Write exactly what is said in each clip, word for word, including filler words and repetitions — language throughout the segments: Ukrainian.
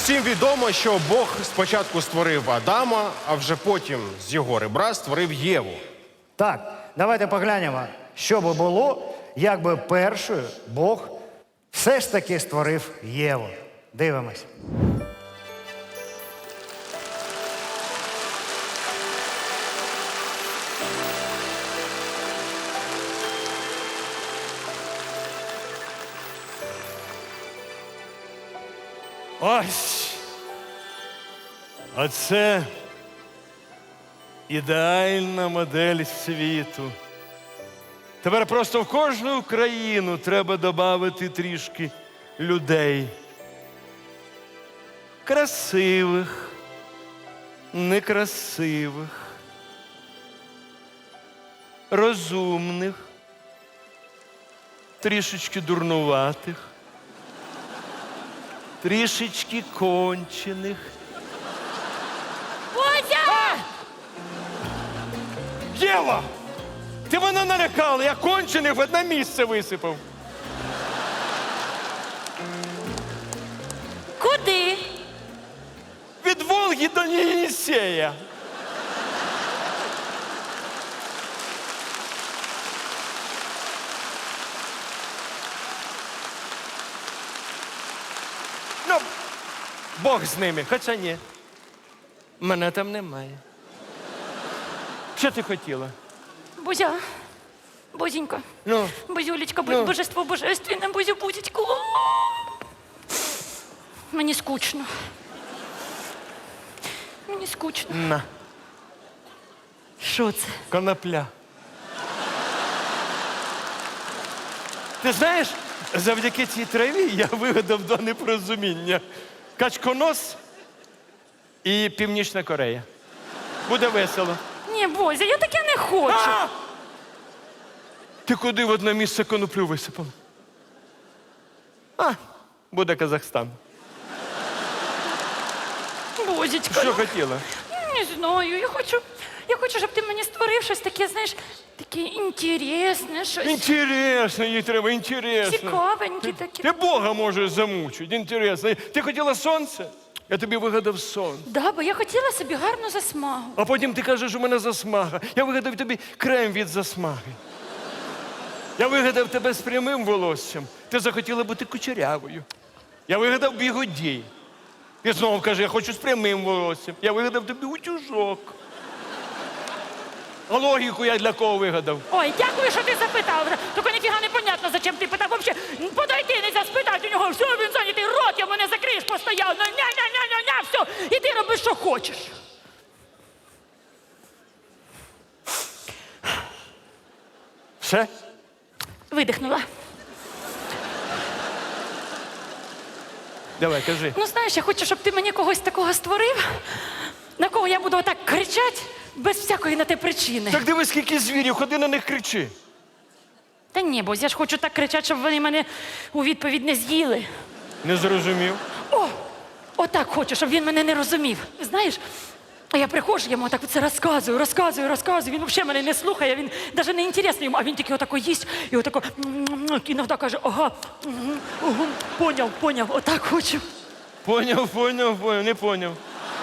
Всім відомо, що Бог спочатку створив Адама, а вже потім з його ребра створив Єву. Так, давайте поглянемо, що би було, якби першою Бог все ж таки створив Єву. Дивимось. Ось. Оце ідеальна модель світу. Тепер просто в кожну країну треба додати трішки людей. Красивих, некрасивих, розумних, трішечки дурнуватих, трішечки кончених. Бодя! Єва! Ти мене налякала, я кончених в одне місце висипав. Куди? Від Волги до Єнісея. Ну, Бог з ними, хоча ні. Мене там немає. Що ти хотіла? Бузя, Бузенька, Ну, Бузюлечка, Ну. божество божественне, Бузю, Бузечку. Мені скучно. Мені скучно. на, Що це? конопля. Ти знаєш, завдяки цій траві я вигадав два непорозуміння. Качконос і Північна Корея. Буде весело. Ні, Бозя, я таке не хочу. А! Ти куди в одне місце коноплю висипав? А, буде Казахстан. Бозечка, Що ну, хотіла? не знаю, я хочу, я хочу, щоб ти мені створив щось таке, знаєш, таке інтересне, щось Інтересно, їй треба, інтересно. цікавеньке таке. Ти Бога можеш замучити, інтересно. Ти хотіла сонце? Я тобі вигадав сон. Да, бо я хотіла собі гарну засмагу. А потім ти кажеш, у мене засмага. Я вигадав тобі крем від засмаги. Я вигадав тебе з прямим волоссям. Ти захотіла бути кучерявою. Я вигадав бігудій. І знову каже, я хочу з прямим волоссям. Я вигадав тобі утюжок. А логіку я для кого вигадав? Ой, дякую, що ти запитав. Тільки ніфіга не понятно, зачем ти питав. Вообще, подойти, нельзя спитати у нього. Все, він зайнятий, рот йому не закриєш постійно. Ня-ня-ня-ня-ня, все. І ти робиш, що хочеш. Все? Видихнула. Давай, кажи. Ну, знаєш, я хочу, щоб ти мені когось такого створив, на кого я буду отак кричати, без всякої на те причини. Так дивись, скільки звірів, ходи на них кричи. Та ні, бо я ж хочу так кричати, щоб вони мене у відповідь не з'їли. Не зрозумів. О, отак хочу, щоб він мене не розумів. Знаєш, а я приходжу, я йому так це розказую, розказую, розказую. Він взагалі мене не слухає, він навіть не інтересний йому, а він тільки отако їсть і отако іноді каже, ага, угу, угу, поняв, поняв, отак хочу. Поняв, поняв, поняв, не поняв.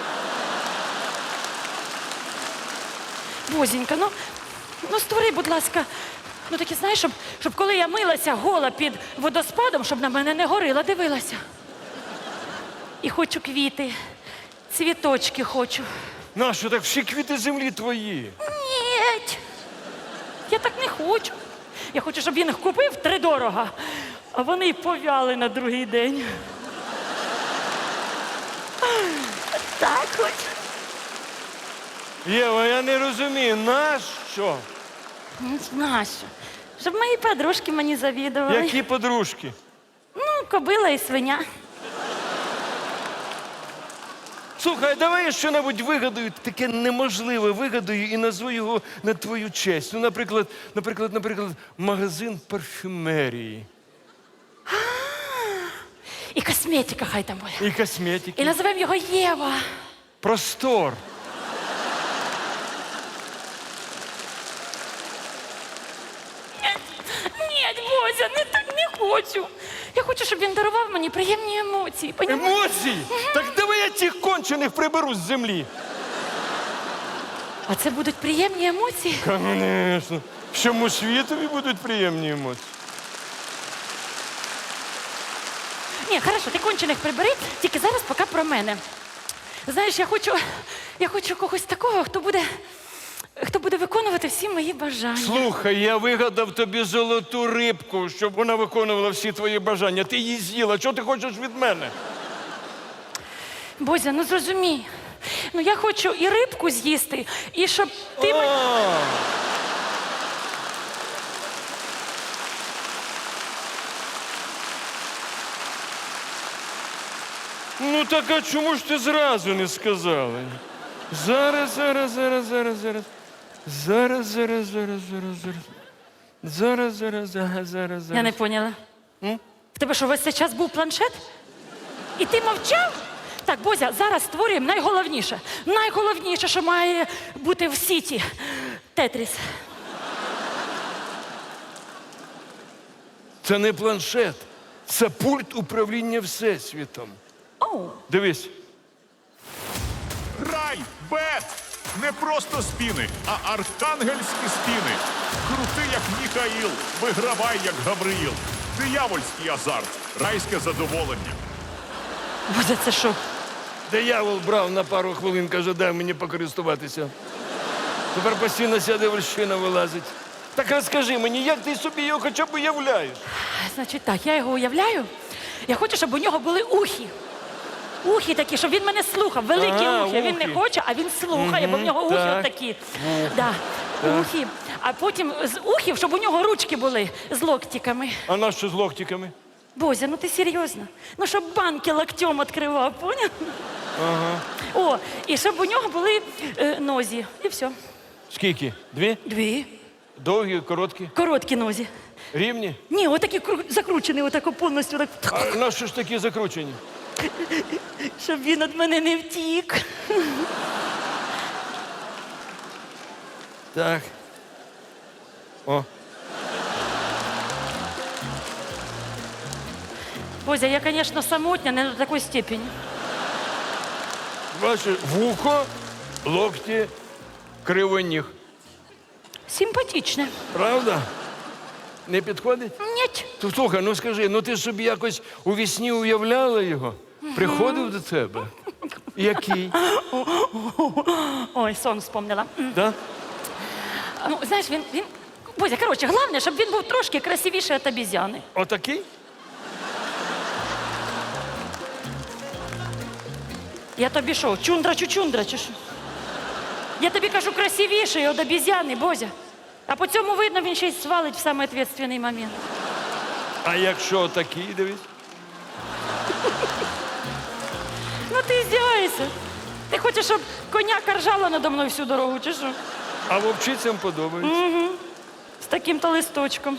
Бозінька, ну, ну створи, будь ласка, ну таке, знаєш, щоб, щоб коли я милася гола під водоспадом, щоб на мене не горила, дивилася. І хочу квіти, цвіточки хочу. Нащо так всі квіти землі твої? Ні, я так не хочу. Я хочу, щоб він їх купив втридорога, а вони й повяли на другий день. Так хочу. Єва, я не розумію, нащо? Не знаю, що. Щоб мої подружки мені завідували. Які подружки? Ну, кобила і свиня. Слухай, давай я що-небудь вигадаю, таке неможливе вигадаю і назву його на твою честь. Ну, наприклад, наприклад, наприклад, магазин парфюмерії. І косметика хай там буде. І косметики. І називаємо його Єва. Простор. Ні, Бозя, не так не хочу. Я хочу, щоб він дарував мені приємні емоції. понімаєш? Емоції? Так давай я цих кончених приберу з землі. А це будуть приємні емоції? Звісно. Всьому світові будуть приємні емоції. Ні, хорошо, ти кончених прибери, тільки зараз поки про мене. Знаєш, я хочу, я хочу когось такого, хто буде, хто буде виконувати всі мої бажання. Слухай, я вигадав тобі золоту рибку, щоб вона виконувала всі твої бажання. Ти її з'їла. Чого ти хочеш від мене? Бозя, ну зрозумій. Ну я хочу і рибку з'їсти, і щоб ти... мен- А. Ну так а чому ж ти зразу не сказала? Зараз, зараз, зараз, зараз, зараз. Зараз, зараз, зараз, зараз, зараз. Зараз, зараз, зараз, зараз, Я не зараз. поняла. В тебе що, весь цей час був планшет? І ти мовчав? Так, Бозя, зараз створюємо найголовніше. Найголовніше, що має бути в сіті. Тетріс. Це не планшет, це пульт управління Всесвітом. Оу. Дивись. Рай, бет! Не просто спіни, а архангельські спіни. Крути, як Міхаїл, вигравай, як Гавриїл. Диявольський азарт, райське задоволення. Бозя, це що? Диявол брав на пару хвилин, каже, дай мені покористуватися. Тепер постійно ця дивольщина вилазить. Так розкажи мені, як ти собі його хоча б уявляєш? Значить так, я його уявляю. Я хочу, щоб у нього були ухи. Ухи такі, щоб він мене слухав. Великі А, ухи. Він не ухи. хоче, а він слухає, бо в нього ухи так. отакі. Да. Ухи. А потім з ухів, щоб у нього ручки були з локтиками. А на що з локтиками? Бозя, ну ти серйозно? Ну, щоб банки локтем відкривав, поняв? Ага. О, і щоб у нього були е, нозі. І все. Скільки? Дві? Дві. Довгі, короткі? Короткі нозі. Рівні? Ні, отакі кру- закручені, отако повністю. Так. А на що ж такі закручені? Щоб він від мене не втік. Так. О. Бозя, я, звісно, самотня, не до такої степені. Ваше вухо, локті, кривоніг. Симпатичне. Правда? Не підходить? Ні. То слухай, ну скажи, ну ти ж собі якось у вісні уявляла його? Приходив до тебе? Який? Ой, сон вспомнила. М. Да? Ну, знаєш, він, він... Бозя, коротше, головне, щоб він був трошки красивіший від обізяни. Отакий? Я тобі що, чундра-чучундра чи що? Я тобі кажу, красивіший від обізяни, Бозя. А по цьому видно, він ще й свалить в самий відповідальний момент. А якщо отакий, дивись? Ну ти здіваєшся. Ти хочеш, щоб коняка ржала надо мною всю дорогу, чи що? А вовчицям подобається. З таким-то листочком.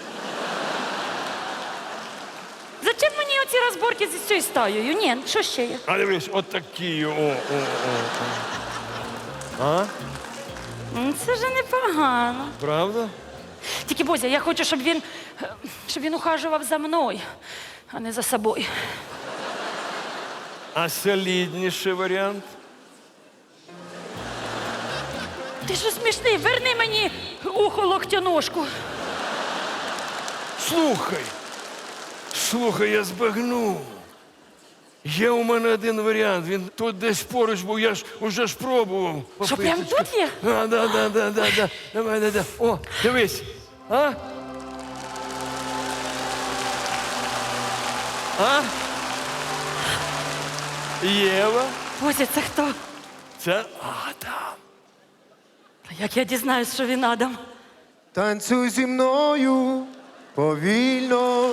Зачем мені оці розборки з цією стаєю? Ні, що ще є? А дивись, отакі. О, о, о, о. А? М, Це вже непогано. Правда? Тільки, Бозя, я хочу, щоб він, е, щоб він ухажував за мною, а не за собою. А солідніший варіант? Ти що смішний? Верни мені ухо локтяножку. Слухай. Слухай, я збагнув. Є у мене один варіант. Він тут десь поруч був, я ж уже ж пробував. Що, прям Попиточка. тут є? А, да, да, да, да, да. Давай, да, да. О, дивись. А? А? Єва? Бозя, це хто? Це Адам. А як я дізнаюсь, що він Адам? Танцюй зі мною повільно.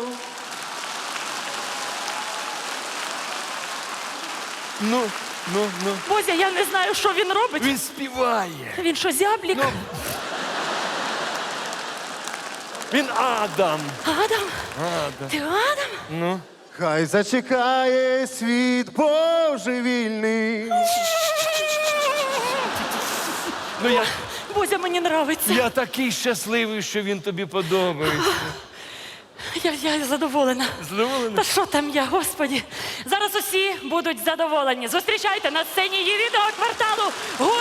Ну, ну, ну. Бозя, я не знаю, що він робить. Він співає. Він що, зяблік? Ну. Він Адам. Адам? Адам. Ти Адам? Ну. Хай зачекає світ божевільний. Ну я, Бозя, мені нравиться. я такий щасливий, що він тобі подобається. Я, я задоволена. Задоволена? Та що там я, господі? Зараз усі будуть задоволені. Зустрічайте на сцені єдиного кварталу гурт